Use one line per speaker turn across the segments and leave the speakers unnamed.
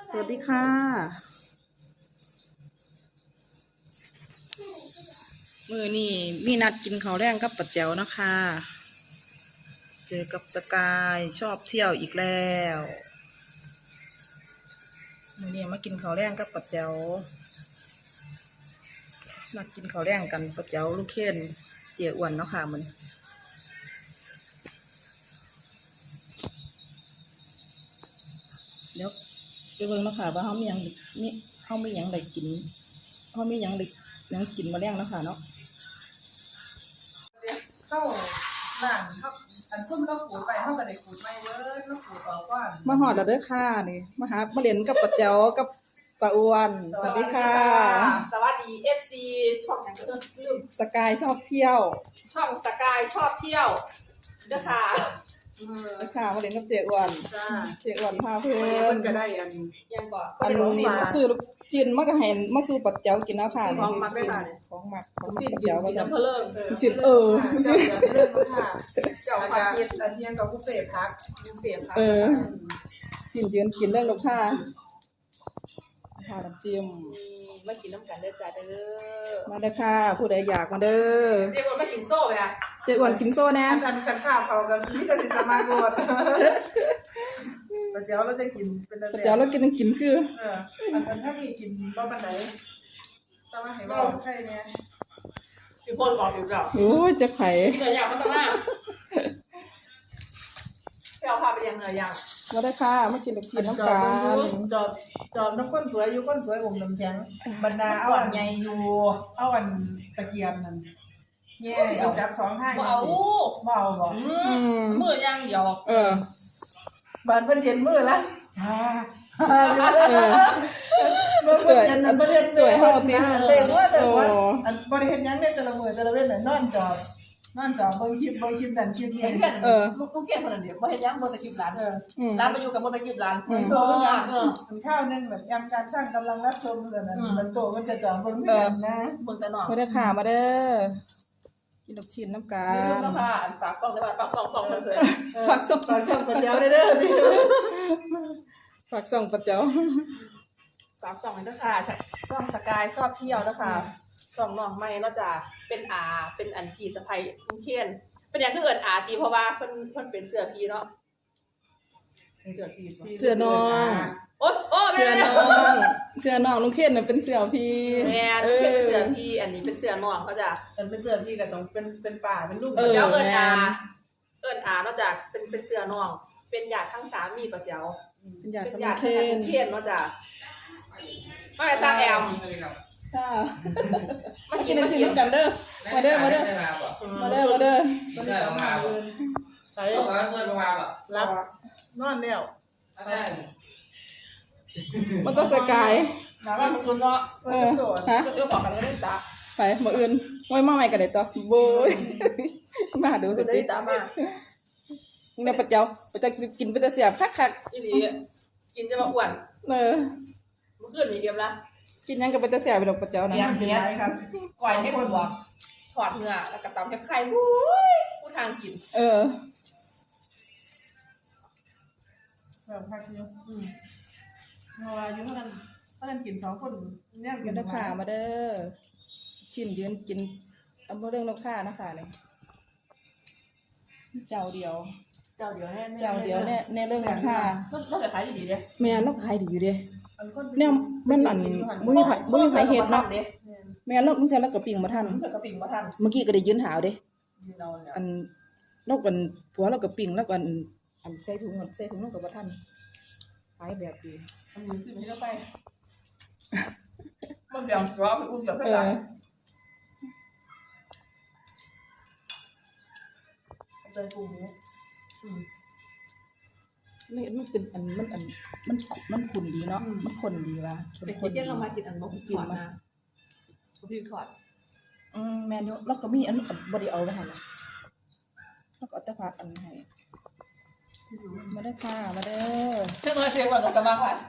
สวัสดีค่ะมื้อนี้มีนัดกินข้าวแรงกับป้าแจ๋วนะคะเจอกับสกายชอบเที่ยวอีกแล้วมื้อนี้มากินข้าวแรงกับป้าแจ๋วมากินข้าวแรงกันป้าแจ๋วลูกเคนเจี๋ยอ้วนเนาะค่ะมันเดี๋ยวไปเบิ่งเนาะค่ะว่าเขามีหยังนี่เขามีหยังได้กินเขามีหยังได้หยังกินมาแรงเนาะค่ะเนาะ
เข้าบ้านเข้าอันซุ่มเราขูดไปเข้าก็ได้ขูดไม่เว้ยเราขูดออกก่อน
มาหอดแล้วเด้อค่ะนี่มาเล่นกับป้าแจ๋วกับป้าอ้วนสวัสดีค่ะ
สวัสดี FC ช่องอย่างก็ลืม
สกายชอบเที่ยว
ช่องสกายชอบเที่ยวเด้อค่ะ
ค่ะมาเล่นกับเจ๊อ้วน
จ้า
เจ๊อ้วนพาเพื่อ
มัน นก็ได้อัน
ยังก่อน
อันซื้อลูกจิ้นมาก็ให้มาสู่ป้าแจ๋วกินแล้วค่ะ
ของมักได้ค่ะ
ของหมักของ
สิ
ป้า
กิน
แจ๋วก็
กิน
จะ
น้ำเพลิง
จิ้น
เจ้าเรื่องมันค่ะ
เจ้า
อัน
ผัก
นี้
กิน
อันนี้กับผู้เสพพัก
เสียบค่ะ
จิ้นยืนกินเรื่องลูกค้าค่ะน้ำจิ้ม
มากินน้ำกันเด้อจ้าเด้อ
มาเด้อค่ะผู้ใดอยากมาเด้อ
เจ๊คนมากินโซ่ไปค่ะ
เจ๊อ้วนกินโซ่แน่
กันข้าวเขากันนี่ก็สิสมาโกดปัจเจ้าเราจะกินเป็น
ป้าแจ๋วเรากินคือ
อันถ้ามีกินบ่ปันไหนแต่ว่าให้บ่ใครเนี่ย
พี่พลบอกอยู่แล้ว
โอ้ยจะไข่
เหนื่อยอย่างมันต้องมาพี่เอาพาไปยังเหนื่อยอย่าง
มาได้อค่ะมากินลูกชิ้นน้ำ
จ
กั
อบ
น
จอบน้ำข้นสวยอยู่ข้นสวยองค์น้ำแข็งบรรดาเอา
ก่อน
อัน
ใหญ่อยู่
เอาอันตะเกียบนั่นแง่เอาจับสองท่า
บ่เอา
บ่เอาบ่
มือย่างเดียว
บานเพิ่นเย็นมื้อละเมื่อเพิ่นเย็นนั่นบ่เฮ็ดเต็มว่าแต่ว่าอันบ่ได้เฮ็ดหยังได้แต่ละมื้อแต่ละเว้นน่ะนอนจอบเบิ่งคลิปนั่นคลิปนี้
เพื่อนลูกเกียนคนนั้นเดียวบ่เห็นยังบ่สกิปร้านร้านไปอยู่กับบ่สกิปร้าน
โตกันข้าวนึงแบบยำการช่างกำลังรับชมนั่นน่ะมันโตมันจะจอเบิ่งคือกันนะ
เบิ่งแต่น้อง
มาได้อค่ะมาเด้อกินลูกชิ้นน้ำกั
อย่าลืม
น
นะค่ะอันฝากซองได้ป่ะฝากซองเพิ่นเสย
ฝากส่ง
ฝากส่งปัจเจ้าได้เด้อดิ
ฝากส่งปัจเจ้า
ฝากซองด้วยค่ะซองสกายชอบเที่ยวนะคะซองน้องใหม่เนาะจ้ะเป็นเป็นอันพี่สะใภ้ลุงเคียนเป็นอย่างคือเอิ้นอาตีเพราะว่าเพิ่นเป็นเสื้อพี่เนาะเป็นเสื้อพี่
เชื่อน้อง
โอ้
เชื่อ
แม่
น้องเชื่อน้องลุงเคนน่ะเป็นเสี่ยวพี่
แม่ลุงเคียนเป็นเสื้อพี่อันนี้เป็นเสื้อน้องเขาจ้ะ
มันเป็นเสื้อพี่ก็ต้องเป็นป่าเป็นลูก
เจ้าเอิ้นอาเนาะจ้ะเป็นเสื้อน้องเป็นญาติทั้งสามีป้าเจ้า
เป็นญาติ
เป็น
กับ
ญา
ลุงเคน
ติทั้งลุงเคียนเนาะจ้ะมาสร้างแอม
ค่ะ
มากิ
กิ
น
นลู
มาก
ชิ้น
กิน
น้ำกันเด้อมาเด้อมาเด้อมาเด้อมาเด้อ
มันได้ประมาณใส่
ต้องการเงินประมาณแบบ
รับนอนแล้ว
อะไร
มันต้องสกาย
น้ำมันมันเนาะ
เพิ่นโต
ฮะ
ก็ซื้อของกันก็ได้ตา
ไปมื้ออื่นโอ้ยมาใหม่กันได้ต่อโบยมาดู
ก็
สิ
ได้ตามา
เนี่ยปัจเจ้ากินเป็นแต่เสียบคัก
อีนีกินจะมาอ้วน
ๆเมื่อ
เมื่อคืนมีเกมละ
กินยังกับเป็นแต่เสียบไปดอกปัจเจ้านะ
ยังเป็นไรครับ
ก่อยให้หัวถอดเนื้อแล้วก็ตำแค่ไข่วุ้ยผู้ทางกิน
แบบพักอยู่เพราะว่าอยู่เท่านั้นกิน2คนเนี่ย
เดี๋ยวนักข่ามาเด้อชิ้นยืนกินเอาเรื่องนักข่านะคะเนี่ยเจ้าเดียว
เจ้าเดียวแน่
เจ้าเดียวเนี่ยในเรื่องนักข่า
ส้มแต่ขายดีๆเด้
แม่นกขายดีอยู่เด้เนี่ยแม่นอันบ่มีไผเฮ็ดเนาะแม่นกมึงใช้แล้วก็ปิ้งบ่ทัน
เพิ่นก็ปิ้งบ่ทัน
เมื่อกี้ก็ได้ยืนหาวเด้
เราเนี่ย
อันนกกันผัวเราก็ปิ้งแล้วก็อันใส่ถุงนกก็บ่ทันขายแบบดี
อันนี้สิไม่ได้ไปมันเดี๋ยวเราไปอุ้มเดี๋ยวไปหลังใจปูหมู
นี่มันเป็นมันขุ่นดีเนาะมันข้นดีว่ะ
เด็กเที่ยงเรามากินอันบ่ถอดนะพี่ถอด
แม่นอยู่แล้วก็มีอันบ่ได้เอาไว้หั่นน่ะแล้วก็เอาแต่ผักอันให้มาเด้อค่ะมาเด้อ
เชื่อตัวเสียก่อนกับสมาค่ะ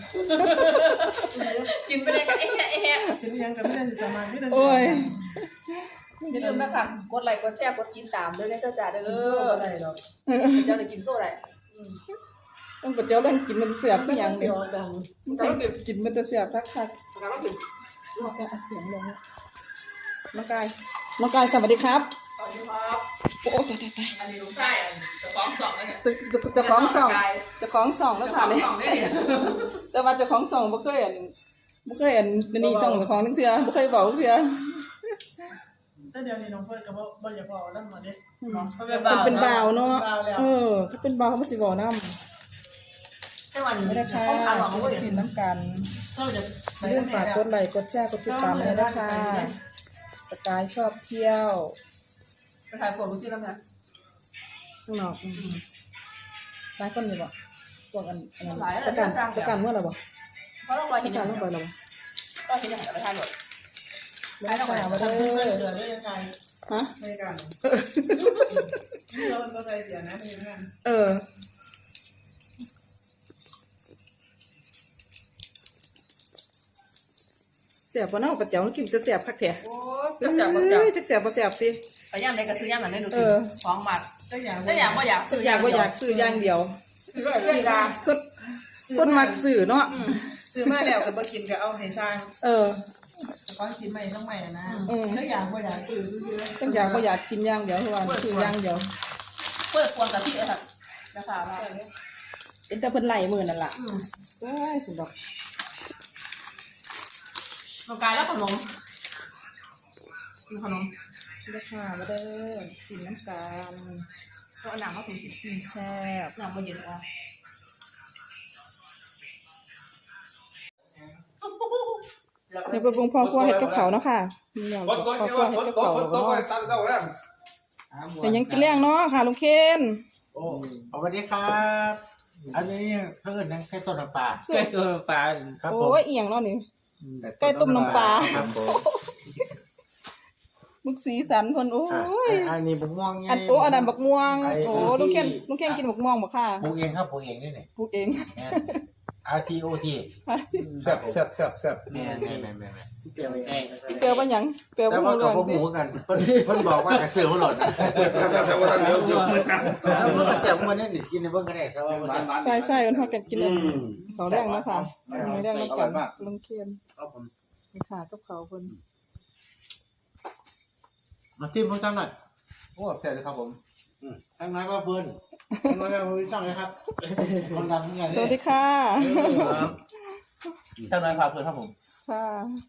กินไปเลยกันแอะ
กินยังกับไม่ได้สมาธินั่น
โอ้ย
อย่าลืมนะคะกดไลค์กดแชร์กดติดตามด้วยนะเจ้าจ๋าเด้อ
อะไรหรอก
เจ้าได้กินโซ่ได้
ต้องปะเจ้าเรื่องกินมันเสียบ
ไม่
อ
ยั
ย่าง ง
เสี
เดี
ย
ยว ว
ดัง
มันกินมันจะเสียบคัก
แล้วก็ถึง
ๆลอกเอาเสียงลงน้องกายสวัสดีครับ
สวัสดีครับ
โอ้ตาย
อันนี้ลูกชายจะฟ้องสองแล้วเนี่ย
จะคล้องส่องแล้วค่ะเนี่ย
สองได้เนี่ย
แต่ว่าเจะคล้องส่องบ่เคยเห็นนี่ส่องเจ้าของทั้งเทื่อบ่เคยบอกเทื่อ
แต่เดี๋ยวนี้น้องเฟิร์นก็บ่อยากบอกแล้วมาเด้
เป็นบ่าวเนาะเขาเป็นบ่าวเขาบ่สิบอกนำ
แต่วันนี้
ไม่ได้ค่ะ
ต้องทานหรอกเขาก็
สินน้ำกัน
เจ้าจะ
เรื่องฝากกดไลค์กดแชร์กดติดตามเลยนะคะสกายชอบเที่ยว
ไปถ่ายโปรดลูกที่น้ำนะ
ข้างนอกร้านต้นอยู่บ่พวกอันนั้นตะการเมื่อไหร่บ่
เพราะเราคอย
ตะ
เห็นอ
การ
ย่าง
เมื่อไหร่บ่
ก็เห็นอย่างไรทานหมด
ไม่ได้ค่ะมา
ทำ
เด้
เพื่อน
อ
เดือดด้วยยังไง
ฮะ
ไม่กันนี่เราก็ใจเสียนะพี่นั่น
เสียบบ่เนาะปะเจ้ากินจะเสียบคักแท้
โอ้จะเสียบก็เสียบ
จักเสียบบ่เสียบสิ
ไปย่างไหนก็ซื้อย่างนั้นได้ดูสิฟ้องหมัก
ก็อย่าง
ถ้าอยากก็อยากซื้อ
อยากบ่อยากซื้ออย่างเดียว
ซื้อเพื่อนกา
คนมักซื้อเนาะ
ซื้อมาแล้วก็บ่กินก็เอาให้สร้าง ก้อนกินใหม่ต้องใหม่นะถ้าอยากก็อยากซื้อ
ต้องอยากบ่อยากกินอย่างเดียวคือว่าซื้ออย่างเดียว
เพื่อควงกับที่เออค่ะนะคะว่า
เป็นแต่เพิ่นไล่มื้อนั่นล่ะเอ้ยสุดดอก
น้องกายแล้วขนมมีขนม
ราคามาเด้อสินน้ำกัน
ก็เอาหนังมาสูง
สินแซ่บ
หนังมาเย็นอ่ะ
เดี๋ยวไปปรุงพ่อครัวเฮ็ดกับเขาวเนาะค่ะมีอย่างพ่อครัวเฮ็ดกับเขาวแล้วก็แต่ยังกินแรงเนาะค่ะลุงเคน
โอ้สวัสดีครับ อันนี้เพื่อนนั่งแค่ต้นน้ำปลา
ใกล้ตัวปลา
ครับผม
โอ้ยเอียงเนาะนี่ ใกล้ต้มน้ำปลา
ครับผม
มึกสีสันเพิ่นโอ้ย
อันนี้บุกม่วงไง
อันนั้นบักม่วงโอ้ลุงเคนกินบักม่วงบ่ค่ะ
ปลูกเองครับปลูกเองนี่เนี่ย
ปลูกเอง
RTOT
แซ่บแซ่บแซ่บแซ่บ
แม่แม่
เกี่ยวไง
เปลือบ่หยังเปลือบ่
แต่
ฮู้
ว่า
เรื่
กั
อบ ง
หมูกันเพิ่นบอกว่ากระเสือมันหล่นแล้วเพิ่นกระเสือมันนี่กินในเบิ่งก็ได้ครับว่า
ใช่ๆเพิ่นพากันกินอันเขาวแรงเนาะค่ะมีแรงแล้วกันลุงเคน
ครับผม
มีขากับเขาวเพิ่น
มาจิ้มเพิ่งซ้ำหน่อย
โอ้แซ่บเลยครับผม
ทั้งน้อยว่าเพิ่นทั้งน้อยว่าเพิ่นซ้ำเลยครับคนดังนี่ไง
สวัสดีค่ะ
ท่านนายพาเพื่อนครับผม
ค่ะ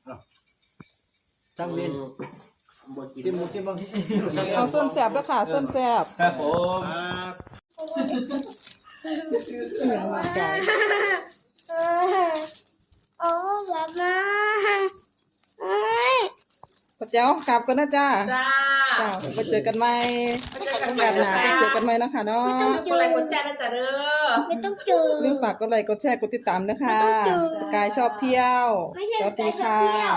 จังเล่นจิ้มหมูจิ้มบางที
เอาส้นแสบด้วยค่ะส้นแสบ
ครับผม
เหนือร่างกาย
โอ้แบบมาเอ้ย
พระเจ้ากลับกันนะจ้า
จ้า
จ้าไปเจอกันใหม่
มาเจอกันให
แบ
ม่
บห
นะ
นา
จ๊ะ
ไปเจอกันใหม่นะคะเนาะ
กดไลค์กดแชร์นะจ๊ะเด้อ
ไม่ต้องเจอ
เรื่องฝากกดไลค์กดแชร์กดติดตามนะคะ
ไม่ต้องเจอ
สกายชอบเที่ยว
ไม่ใช่
สวัสดี
สกายชอบ
ค่ะ
เที่ยว